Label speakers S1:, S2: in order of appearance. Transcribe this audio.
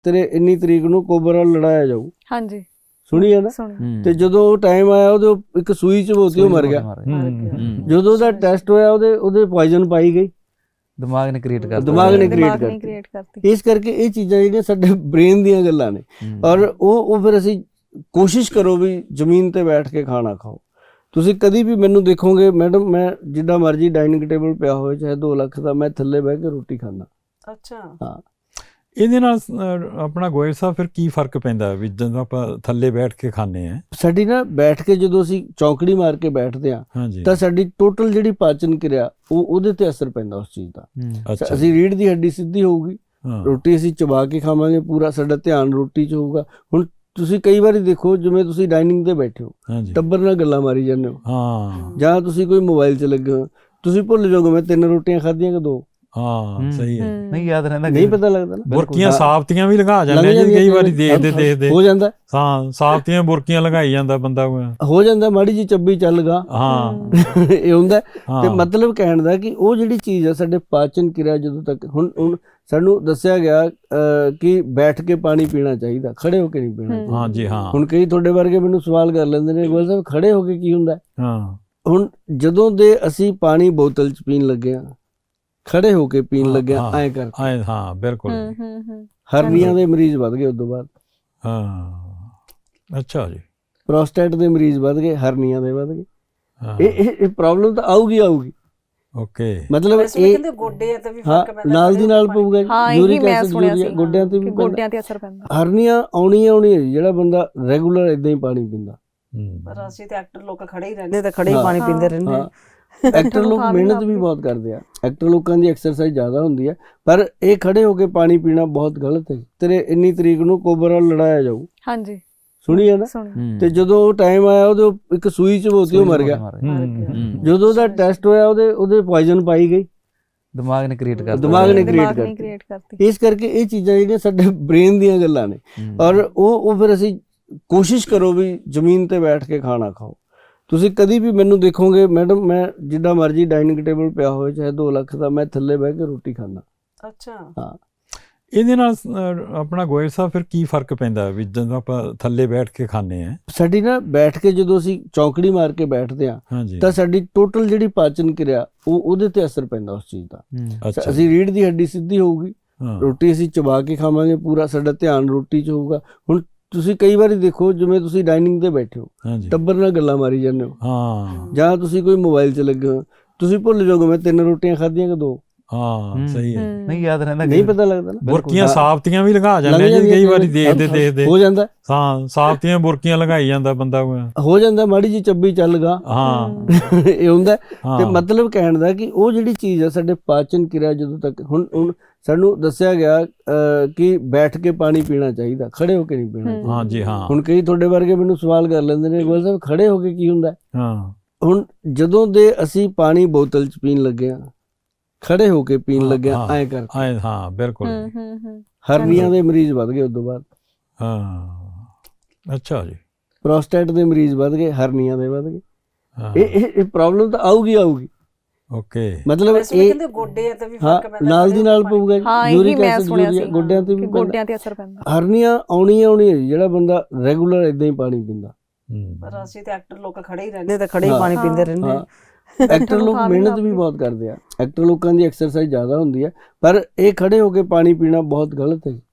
S1: ਤੇਰੇ ਇੰਨੀ ਤਰੀਕ ਨੂੰ ਕੋਬਰ ਨਾਲ ਲੜਾਇਆ ਜਾਊ।
S2: ਹਾਂਜੀ
S1: ਸੁਣੀ ਹੈ ਨਾ। ਤੇ ਜਦੋਂ ਉਹ ਟਾਈਮ ਆਇਆ ਉਹਦੇ ਇੱਕ ਸੂਈ ਚਬੋਤੀ ਉਹ ਮਰ ਗਿਆ। ਜਦੋਂ ਉਹਦਾ ਟੈਸਟ ਹੋਇਆ ਉਹਦੇ ਪੋਇਜ਼ਨ ਪਾਈ ਗਈ,
S3: ਦਿਮਾਗ ਨੇ ਕ੍ਰੀਏਟ ਕਰਤਾ,
S1: ਦਿਮਾਗ ਨੇ ਕ੍ਰੀਏਟ ਕਰਤੀ। ਇਸ ਕਰਕੇ ਇਹ ਚੀਜ਼ਾਂ ਜਿਹੜੀਆਂ ਸਾਡੇ ਬ੍ਰੇਨ ਦੀਆਂ ਗੱਲਾਂ ਨੇ, ਔਰ ਉਹ ਫਿਰ ਅਸੀਂ ਕੋਸ਼ਿਸ਼ ਕਰੋ ਵੀ ਜ਼ਮੀਨ ਤੇ ਬੈਠ ਕੇ ਖਾਣਾ ਖਾਓ। ਤੁਸੀਂ ਕਦੀ ਵੀ ਮੈਨੂੰ ਦੇਖੋਗੇ ਮੈਡਮ, ਮੈਂ ਜਿੱਦਾਂ ਮਰਜ਼ੀ ਡਾਈਨਿੰਗ ਟੇਬਲ ਪਿਆ ਹੋਵੇ ਚਾਹੇ 2 ਲੱਖ ਦਾ, ਮੈਂ ਥੱਲੇ ਬਹਿ ਕੇ ਰੋਟੀ ਖਾਂਦਾ।
S4: ਅੱਛਾ।
S1: ਹਾਂ।
S5: ਇਹਦੇ ਨਾਲ ਆਪਣਾ ਗੋਇਲ ਸਾਹਿਬ ਫਿਰ ਕੀ ਫਰਕ ਪੈਂਦਾ ਵੀ ਜਦੋਂ ਆਪਾਂ ਥੱਲੇ ਬੈਠ ਕੇ ਖਾਂਦੇ ਆ?
S1: ਸਾਡੀ ਨਾ ਬੈਠ ਕੇ ਜਦੋਂ ਅਸੀਂ ਚੌਂਕੜੀ ਮਾਰ ਕੇ ਬੈਠਦੇ ਆ ਤਾਂ ਸਾਡੀ ਟੋਟਲ ਜਿਹੜੀ ਪਾਚਨ ਕਿਰਿਆ ਉਹਦੇ ਤੇ ਅਸਰ ਪੈਂਦਾ ਉਸ ਚੀਜ਼ ਦਾ। ਅਸੀਂ ਰੀੜ੍ਹ ਦੀ ਹੱਡੀ ਸਿੱਧੀ ਹੋਊਗੀ, ਰੋਟੀ ਅਸੀਂ ਚਬਾ ਕੇ ਖਾਵਾਂਗੇ, ਪੂਰਾ ਸਾਡਾ ਧਿਆਨ ਰੋਟੀ 'ਚ ਹੋਊਗਾ। ਹੁਣ ਤੁਸੀਂ ਕਈ ਵਾਰੀ ਦੇਖੋ, ਜਿਵੇਂ ਤੁਸੀਂ ਡਾਈਨਿੰਗ ਤੇ ਬੈਠੇ ਹੋ, ਟੱਬਰ ਨਾਲ ਗੱਲਾਂ ਮਾਰੀ ਜਾਂਦੇ ਹੋ, ਜਾਂ ਤੁਸੀਂ ਕੋਈ ਮੋਬਾਈਲ 'ਚ ਲੱਗੇ ਹੋ, ਤੁਸੀਂ ਭੁੱਲ ਜਾਓਗੇ ਮੈਂ 3 ਰੋਟੀਆਂ ਖਾਧੀਆਂ ਕਿ 2।
S5: ਹਾਂ ਸਹੀ ਹੈ,
S3: ਨਹੀਂ ਯਾਦ ਰਹਿੰਦਾ,
S1: ਨਹੀਂ ਪਤਾ ਲੱਗਦਾ ਨਾ।
S5: ਬੁਰਕੀਆਂ ਸਾਬਤੀਆਂ ਵੀ ਲਗਾ ਜਾਂਦੇ ਜੀ ਕਈ ਵਾਰੀ ਦੇਖਦੇ
S1: ਹੋ ਜਾਂਦਾ।
S5: ਹਾਂ, ਸਾਬਤੀਆਂ ਬੁਰਕੀਆਂ ਲਗਾਈ ਜਾਂਦਾ ਬੰਦਾ,
S1: ਹੋ ਜਾਂਦਾ ਮਾੜੀ ਜੀ ਚੱਬੀ ਚੱਲ ਗਾ।
S5: ਹਾਂ
S1: ਇਹ ਹੁੰਦਾ। ਤੇ ਮਤਲਬ ਕਹਿਣ ਦਾ ਕਿ ਉਹ ਜਿਹੜੀ ਚੀਜ਼ ਆ ਸਾਡੇ ਪਾਚਨ ਕਿਰਿਆ, ਜਦੋਂ ਤੱਕ ਹੁਣ ਸਾਨੂੰ ਦੱਸਿਆ ਗਿਆ ਕਿ ਬੈਠ ਕੇ ਪਾਣੀ ਪੀਣਾ ਚਾਹੀਦਾ, ਖੜੇ ਹੋ ਕੇ ਨਹੀਂ ਪੀਣਾ।
S5: ਹਾਂ ਜੀ ਹਾਂ।
S1: ਹੁਣ ਕਈ ਤੁਹਾਡੇ ਵਰਗੇ ਮੈਨੂੰ ਸਵਾਲ ਕਰ ਲੈਂਦੇ ਨੇ, ਗੋਇਲ ਸਾਹਿਬ ਖੜੇ ਹੋ ਕੇ ਕੀ ਹੁੰਦਾ?
S5: ਹਾਂ,
S1: ਹੁਣ ਜਦੋਂ ਦੇ ਅਸੀਂ ਪਾਣੀ ਬੋਤਲ 'ਚ ਪੀਣ ਲੱਗੇ ਆ, ਖੜੇ ਹੋ ਕੇ ਪੀਣ ਲੱਗਿਆ ਐਂ ਕਰਕੇ।
S5: ਹਾਂ ਬਿਲਕੁਲ।
S1: ਹਰਨੀਆਂ ਦੇ ਮਰੀਜ਼ ਵੱਧ ਗਏ ਉਦੋਂ ਬਾਅਦ।
S5: ਹਾਂ ਅੱਛਾ ਜੀ।
S1: ਪ੍ਰੋਸਟੇਟ ਦੇ ਮਰੀਜ਼ ਵੱਧ ਗਏ, ਹਰਨੀਆਂ ਦੇ ਵੱਧ ਗਏ। ਇਹ ਪ੍ਰੋਬਲਮ ਤਾਂ ਆਊਗੀ।
S5: ਓਕੇ।
S1: ਮਤਲਬ
S4: ਇਹ ਕਹਿੰਦੇ ਗੋਡੇ ਤੇ ਵੀ ਫਰਕ ਪੈਂਦਾ,
S1: ਨਾਲ ਦੀ ਨਾਲ ਪਊਗਾ। ਯੂਰਿਕ ਐਸਿਡ ਗੋਡਿਆਂ ਤੇ ਵੀ
S2: ਗੋਡਿਆਂ ਤੇ ਅਸਰ ਪੈਂਦਾ।
S1: ਹਰਨੀਆਂ ਆਉਣੀਆਂ ਜਿਹੜਾ ਬੰਦਾ ਰੈਗੂਲਰ ਇਦਾਂ ਹੀ ਪਾਣੀ ਪੀਂਦਾ।
S4: ਪਰ ਅਸੀਂ ਤੇ ਐਕਟਰ ਲੋਕ ਖੜੇ ਹੀ ਰਹਿੰਦੇ ਤੇ ਖੜੇ ਹੀ ਪਾਣੀ ਪੀਂਦੇ ਰਹਿੰਦੇ।
S1: ਐਕਟਰ ਲੋਕ ਮਿਹਨਤ ਵੀ ਬਹੁਤ ਕਰਦੇ ਆ, ਐਕਟਰ ਲੋਕਾਂ ਦੀ ਐਕਸਰਸਾਈਜ਼ ਜ਼ਿਆਦਾ ਹੁੰਦੀ ਹੈ, ਪਰ ਇਹ ਖੜੇ ਹੋ ਕੇ ਪਾਣੀ ਪੀਣਾ ਬਹੁਤ ਗਲਤ ਹੈ। ਤੇਰੇ ਇੰਨੀ ਤਰੀਕ ਨੂੰ ਕੋਬਰ ਨਾਲ ਲੜਾਇਆ ਜਾਊ।
S2: ਹਾਂਜੀ
S1: ਸੁਣੀ ਹੈ ਨਾ। ਤੇ ਜਦੋਂ ਉਹ ਟਾਈਮ ਆਇਆ ਉਹਦੇ ਇੱਕ ਸੂਈ ਚਬੋਤੀ ਉਹ ਮਰ ਗਿਆ। ਜਦੋਂ ਉਹਦਾ ਟੈਸਟ ਹੋਇਆ ਉਹਦੇ ਪੋਇਜ਼ਨ ਪਾਈ ਗਈ,
S3: ਦਿਮਾਗ ਨੇ ਕ੍ਰੀਏਟ ਕਰਤਾ,
S1: ਦਿਮਾਗ ਨੇ ਕ੍ਰੀਏਟ ਕਰਤੀ। ਇਸ ਕਰਕੇ ਇਹ ਚੀਜ਼ਾਂ ਜਿਹੜੀਆਂ ਸਾਡੇ ਬ੍ਰੇਨ ਦੀਆਂ ਗੱਲਾਂ ਨੇ, ਔਰ ਉਹ ਫਿਰ ਅਸੀਂ ਕੋਸ਼ਿਸ਼ ਕਰੋ ਵੀ ਜ਼ਮੀਨ ਤੇ ਬੈਠ ਕੇ ਖਾਣਾ ਖਾਓ। ਤੁਸੀਂ ਕਦੀ ਵੀ ਮੈਨੂੰ ਦੇਖੋਗੇ ਮੈਡਮ, ਮੈਂ ਜਿੱਦਾਂ ਮਰਜ਼ੀ ਡਾਈਨਿੰਗ ਟੇਬਲ ਪਿਆ ਹੋਵੇ ਚਾਹੇ 2 ਲੱਖ ਦਾ, ਮੈਂ ਥੱਲੇ ਬਹਿ ਕੇ ਰੋਟੀ ਖਾਂਦਾ।
S4: ਅੱਛਾ।
S1: ਹਾਂ।
S5: ਇਹਦੇ ਨਾਲ ਆਪਣਾ ਗੋਇਲ ਸਾਹਿਬ ਫਿਰ ਕੀ ਫਰਕ ਪੈਂਦਾ ਵੀ ਜਦੋਂ ਆਪਾਂ ਥੱਲੇ ਬੈਠ ਕੇ ਖਾਂਦੇ ਆ?
S1: ਸਾਡੀ ਨਾ ਬੈਠ ਕੇ ਜਦੋਂ ਅਸੀਂ ਚੌਂਕੜੀ ਮਾਰ ਕੇ ਬੈਠਦੇ ਆ ਤਾਂ ਸਾਡੀ ਟੋਟਲ ਜਿਹੜੀ ਪਾਚਨ ਕਿਰਿਆ ਉਹਦੇ ਤੇ ਅਸਰ ਪੈਂਦਾ ਉਸ ਚੀਜ਼ ਦਾ। ਅਸੀਂ ਰੀੜ੍ਹ ਦੀ ਹੱਡੀ ਸਿੱਧੀ ਹੋਊਗੀ, ਰੋਟੀ ਅਸੀਂ ਚਬਾ ਕੇ ਖਾਵਾਂਗੇ, ਪੂਰਾ ਸਾਡਾ ਧਿਆਨ ਰੋਟੀ 'ਚ ਹੋਊਗਾ। ਹੁਣ ਤੁਸੀਂ ਕਈ ਵਾਰੀ ਦੇਖੋ, ਜਿਵੇਂ ਤੁਸੀਂ ਡਾਈਨਿੰਗ ਤੇ ਬੈਠੇ ਹੋ, ਟੱਬਰ ਨਾਲ ਗੱਲਾਂ ਮਾਰੀ ਜਾਂਦੇ ਹੋ, ਜਾਂ ਤੁਸੀਂ ਕੋਈ ਮੋਬਾਈਲ 'ਚ ਲੱਗੇ ਹੋ, ਤੁਸੀਂ ਭੁੱਲ ਜਾਓਗੇ ਮੈਂ 3 ਰੋਟੀਆਂ ਖਾਧੀਆਂ ਕਿ 2।
S5: ਹਾਂ ਸਹੀ ਹੈ,
S3: ਨਹੀਂ ਯਾਦ ਰਹਿੰਦਾ,
S1: ਨਹੀਂ ਪਤਾ ਲੱਗਦਾ ਨਾ।
S5: ਬੁਰਕੀਆਂ ਸਾਬਤੀਆਂ ਵੀ ਲਗਾ ਜਾਂਦੇ ਜੀ ਕਈ ਵਾਰੀ ਦੇਖਦੇ
S1: ਹੋ ਜਾਂਦਾ।
S5: ਹਾਂ, ਸਾਬਤੀਆਂ ਬੁਰਕੀਆਂ ਲਗਾਈ ਜਾਂਦਾ ਬੰਦਾ,
S1: ਹੋ ਜਾਂਦਾ ਮਾੜੀ ਜੀ ਚੱਬੀ ਚੱਲ ਗਾ।
S5: ਹਾਂ
S1: ਇਹ ਹੁੰਦਾ। ਤੇ ਮਤਲਬ ਕਹਿਣ ਦਾ ਕਿ ਉਹ ਜਿਹੜੀ ਚੀਜ਼ ਆ ਸਾਡੇ ਪਾਚਨ ਕਿਰਿਆ, ਜਦੋਂ ਤੱਕ ਹੁਣ ਸਾਨੂੰ ਦੱਸਿਆ ਗਿਆ ਕਿ ਬੈਠ ਕੇ ਪਾਣੀ ਪੀਣਾ ਚਾਹੀਦਾ, ਖੜੇ ਹੋ ਕੇ ਨਹੀਂ ਪੀਣਾ।
S5: ਹਾਂ ਜੀ ਹਾਂ।
S1: ਹੁਣ ਕਈ ਤੁਹਾਡੇ ਵਰਗੇ ਮੈਨੂੰ ਸਵਾਲ ਕਰ ਲੈਂਦੇ ਨੇ, ਗੋਇਲ ਸਾਹਿਬ ਖੜੇ ਹੋ ਕੇ ਕੀ ਹੁੰਦਾ?
S5: ਹਾਂ।
S1: ਹੁਣ ਜਦੋਂ ਦੇ ਅਸੀਂ ਪਾਣੀ ਬੋਤਲ 'ਚ ਪੀਣ ਲੱਗੇ ਆ, ਖੜੇ ਹੋ ਕੇ ਪੀਣ ਲੱਗਿਆ ਐਂ ਕਰਕੇ।
S5: ਹਾਂ ਬਿਲਕੁਲ।
S1: ਹਰਨੀਆਂ ਦੇ ਮਰੀਜ਼ ਵੱਧ ਗਏ ਉਦੋਂ ਬਾਅਦ।
S5: ਹਾਂ ਅੱਛਾ ਜੀ।
S1: ਪ੍ਰੋਸਟੇਟ ਦੇ ਮਰੀਜ਼ ਵੱਧ ਗਏ, ਹਰਨੀਆਂ ਦੇ ਵੱਧ ਗਏ। ਇਹ ਪ੍ਰੋਬਲਮ ਤਾਂ ਆਊਗੀ।
S5: ਓਕੇ।
S1: ਮਤਲਬ
S4: ਇਹ ਕਹਿੰਦੇ ਗੋਡੇ ਤੇ ਵੀ ਫਰਕ ਪੈਂਦਾ,
S1: ਨਾਲ ਦੀ ਨਾਲ ਪਊਗਾ। ਯੂਰਿਕ ਐਸਿਡ ਗੋਡਿਆਂ ਤੇ ਵੀ
S2: ਗੋਡਿਆਂ ਤੇ ਅਸਰ ਪੈਂਦਾ।
S1: ਹਰਨੀਆਂ ਆਉਣੀਆਂ ਜਿਹੜਾ ਬੰਦਾ ਰੈਗੂਲਰ ਇਦਾਂ ਹੀ ਪਾਣੀ ਪੀਂਦਾ।
S4: ਪਰ ਅਸੀਂ ਤੇ ਐਕਟਰ ਲੋਕ ਖੜੇ ਹੀ ਰਹਿੰਦੇ ਤੇ ਖੜੇ ਹੀ ਪਾਣੀ ਪੀਂਦੇ ਰਹਿੰਦੇ।
S1: ਐਕਟਰ ਲੋਕ ਮਿਹਨਤ ਵੀ ਬਹੁਤ ਕਰਦੇ ਆ, ਐਕਟਰ ਲੋਕਾਂ ਦੀ ਐਕਸਰਸਾਈਜ਼ ਜ਼ਿਆਦਾ ਹੁੰਦੀ ਹੈ, ਪਰ ਇਹ ਖੜੇ ਹੋ ਕੇ ਪਾਣੀ ਪੀਣਾ ਬਹੁਤ ਗਲਤ ਹੈ।